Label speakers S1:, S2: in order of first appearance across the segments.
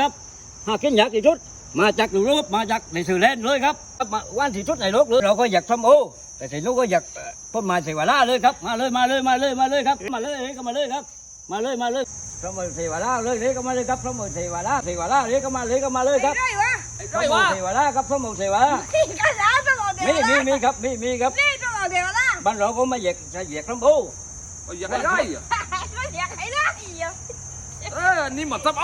S1: ครับหากินอยากที่สุดมาจากยุโรปมาจากในสื่อแลนด์เลยครับมาวันที่สุดในโลกเลยเราก็อยากส้มโอแต่ที่นู้นก็อยากต้นไม้เสวาลาเลยครับมาเลยครับมาเลยก็มาเลยครับมาเลยพระมเทวาลาเลยก็มาเลยครับพระมเทวาลาเลยก็มาเลยครับพระมเทวาลาครับพระมเทวาลามีครับมีครับบ้านเราก็มาเหยียกส้มโอ
S2: อยากให้ได้อะนี่หมดซับโอ้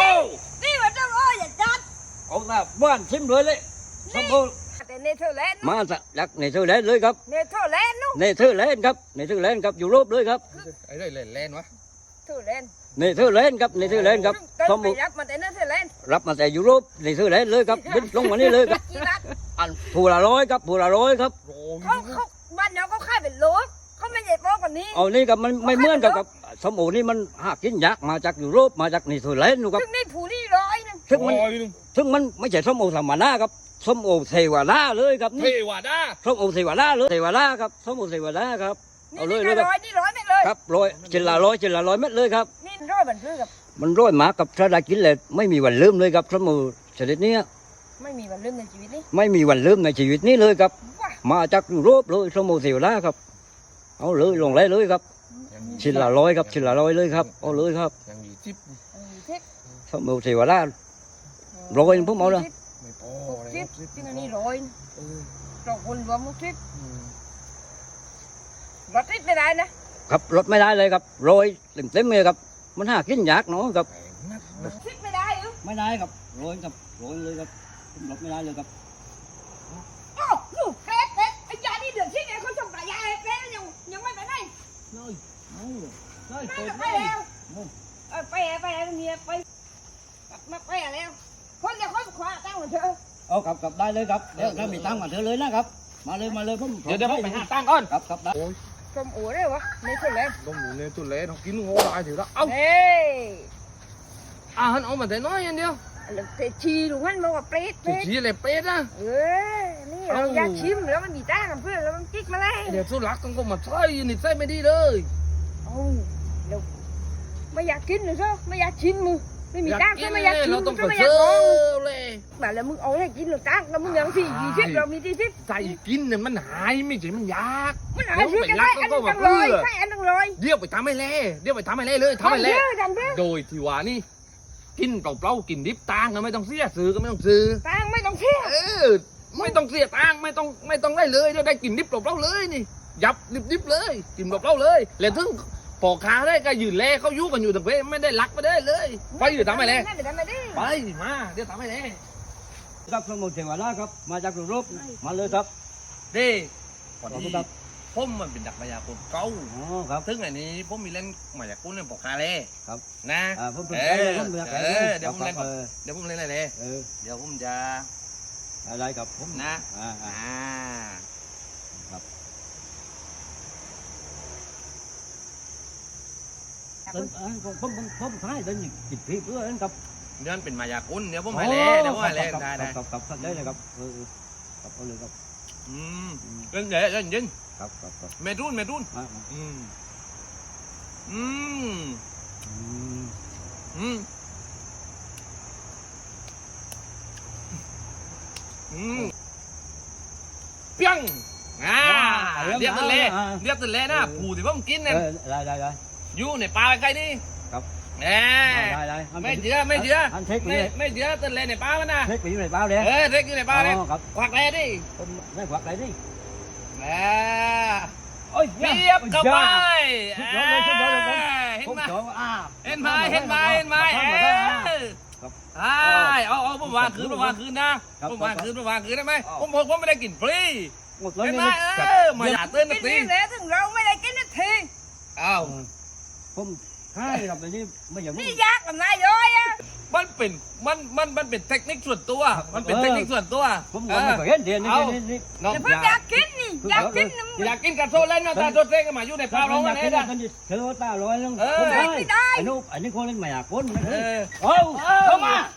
S1: เอาละบ้านชิมเลยส้มโอมาจากในเธอร์แลนด์เลยครับในเธอร์แลนด์ครับยุโรปเลยครับ
S2: ไอ้ไรเล่นวะ
S1: ในเธอร์แลนด์ครับส้มโอรับมาแต่ยุโรปในเธอร์แลนด์เลยครับบินลงมานี่เลยครับอันผู้ละร้อยครับ
S3: เขาบ้านเราก็ค่ายเป็นโลเขาไม่ใหญ่โตกว่านี้
S1: เอานี่ครับมันไม่เหมือนกับส้มโอนี่มันหากินยากมาจากยุโรปมาจากในเธอร์แลนด์ครับ
S3: ซึ่งนี่ผู้นี่ร้อยนึง
S1: ซึ่งมันไม่ใช่ส้มโอธรรมดาครับส้มโอเทวาลาเลยครับ
S2: เท
S1: นี่
S2: วดา
S1: ส้มโอเทวาลาเลยเทวาลาครับส้มโอเทวาลาครับเอาเลย
S3: นี่
S1: ครับ
S3: ร้อยนี่ร้อยไม่เลย
S1: ครับร้อยจินละร้อยเม็ดเลยครับ
S3: นี่ร้อยบันทึกกับ
S1: มันร้อยหมากับถ้าได้กินเลยไม่มีวันลืมเลยครับส้มโอชนิดนี้
S3: ไม่มีวันลืมในชีวิตนี้
S1: ไม่มีวันลืมในชีวิตนี้เลยครับ
S3: ว้า
S1: มาจากยุโรปเลยส้มโอเทวาลาครับเอาเลยลงเลยครับชิ้นละร้อยครับชิ้นละร้อยเลยครับเอาเลยครับ
S2: ยังมีทิป
S3: ทิป
S1: ส้มโอเทวาลาร้อยพวกเอาเลย
S2: ไม่พอ
S3: ทิปที่นี่ร้อยเราคนรวมมุกทิปรถทิปไม่ได้นะครับ
S1: รถไม่ได้เลยครับร้อยเต็มเลยครับมันหากินยากเนาะครับ
S3: ทิปไม่ได้หรือ
S1: ไม่ได้ครับร้อยเลยครับรถไม่ได้เลยครับ
S3: โอ้ลูกเป๊ะไอ้ยานี่เดือดที่ไหนเขาส่งแต่ยาเป๊ะยังไม่ไปไหน
S1: เลยเลย
S3: ไม่
S1: เปิด
S3: ไป
S1: เลย
S3: แล้วไปแล้วเมียไปมาไปแล้วคนเดียวคนขวาตั้งเหมือนเธอ
S1: เอากลับได้เลยครับเดี๋ยวถ้ามีตังค์มาเธอเลยนะครับมาเลยผม
S2: เดี๋ยวผมไปหาตังก่อน
S1: ครับได้
S3: ส้มโอ้ได้วะในคนแรก
S2: ต้องหมูเลยตุ่นเล่ต้องกินโง่ตายถือแล้วเอ้า
S3: เฮ้ย
S2: ฮันเอามาแต่น้อยอย่างเดียว
S3: แต่ชีลูกมันบอกว่าเปรต
S2: ชี้อะไรเป็ดนะ
S3: นี่เราอยากชิมแล้วมันมีต้ากับเพื่อนแล้วมันกิ๊กมาเลย
S2: เดี๋ยวสู้รักต้องก็มาใส่นิสัยไม่ดีเลย
S3: โอ้เดี๋ยวไม่อยากกินหรือเปล่าไม่อยากชิมมึงไม่มีต้าก็ไม่อยากชิม
S2: เราต้อง
S3: ก็
S2: เปิด
S3: ไม่อ
S2: เซ
S3: ยาก
S2: อ
S3: ลอง
S2: ร์เลย
S3: แบบแล้วมึงเอาให้กินหรือต้าแล้วมึงยังสี่ทิปเรามีที่ทิป
S2: ใส่กินเนี่ยมันหายไม่ใช่มันยาก
S3: มันหาซื้อกันได้อันตั้งร้อยใช่อันตั้งร้อย
S2: เดี๋ยวไปทำให้เล่เลยทำให้เล่
S3: ทำเพื่อ
S2: โดยที่ว่านี่กินเปล่าๆกินดิบตังก็ไม่ต้องเสียซื้อก็ไม่ต้องซื้อ
S3: ตังไม่ต้องเชื่อ
S2: ไม่ต้องเสียตังไม่ต้องได้เลยได้กินดิบเปล่าๆเลยนี่ยับดิบเลยกินเปล่าๆเลยแล้วถึงปอกขาได้ก็ยืนแลเขายุกันอยู่ต่างประเทศไม่ได้รักไม่ได้เลยไปอยู่ทำไมแลไปมาเดี๋ยวทำไมแล
S1: ครับสมุทรเทวราชครับมาจากยุโรปมาเลยครับ
S2: เด้
S1: ขอบคุณครับ
S2: ผมมันเป็นดักมายากลเก่า
S1: อ๋อครับ
S2: ถึงอันนี้ผมมีเล่นมายากลเล่นปอกขาเลย
S1: ครับ
S2: นะ
S1: ผมเป็น
S2: เดี๋ยวผมเล่นเดี๋ยวผมเล่นอะไรเลยเดี๋ยวผมจะ
S1: อะไรครับผม
S2: นะ
S1: ผมท้ายเดินจิตพี่เพื่อนครับ
S2: เดี๋ยวเป็นมายากลเดี๋ยวผมให้เล่เดี๋ยวผมให้เล่ได้
S1: ครับได้เลยครับครับเอาเลยครับ
S2: เล่นเดี๋ยวเล่นยิง
S1: ครับ
S2: เมรุนเปี้ยงเรียบตัวเล่นะผู้ที่ผมกินเนี่ย
S1: ได้
S2: อยู่ในป่าใกล้นี่
S1: ครับ
S2: ได้ไม่เจือไม่เจือตัวเล่ในป่ามันนะ
S1: เล็กไปอยู่ในบ้านเลย
S2: เล็กอยู่ในป่าเลย
S1: ครับ
S2: ควักเล่ดิ
S1: ได้ควักอะไรดิ
S2: เรียบกับไปเห็นไหมเอาผมวางคืนนะผมวางคืนได้ไหมผมไม่ได้กินฟรีเห็นไหมมาอย่าเตือนนักตี
S3: กินแล้วถึงเราไม่ได้กินนาที
S2: อ้าว
S1: ผมใช่ครับแต่นี่ไม่อย่าง
S3: นี่ยากกับนายย้อยอ่ะ
S2: มันเป็นเทคนิคส่วนตัวมันเป็นเทคนิคส่วนตัว
S1: ผมไม่เคยเห็นเดียนี่
S2: น้อง
S3: แต่เพิ่งอยากกินนี่อยากกินน้ำ
S2: อยากกินกับโซเล่นมาตาโซเล่นกันมาอยู่ในป่าร้อง
S1: อ
S2: กั
S1: ยาน ก
S2: เอ
S1: กิน
S2: ง
S1: กันเธอตาลอยลง
S3: ไม่ได้
S1: อันนี้คนเล่นไม่อยากคน
S2: เออ
S1: โอ้เข้ามา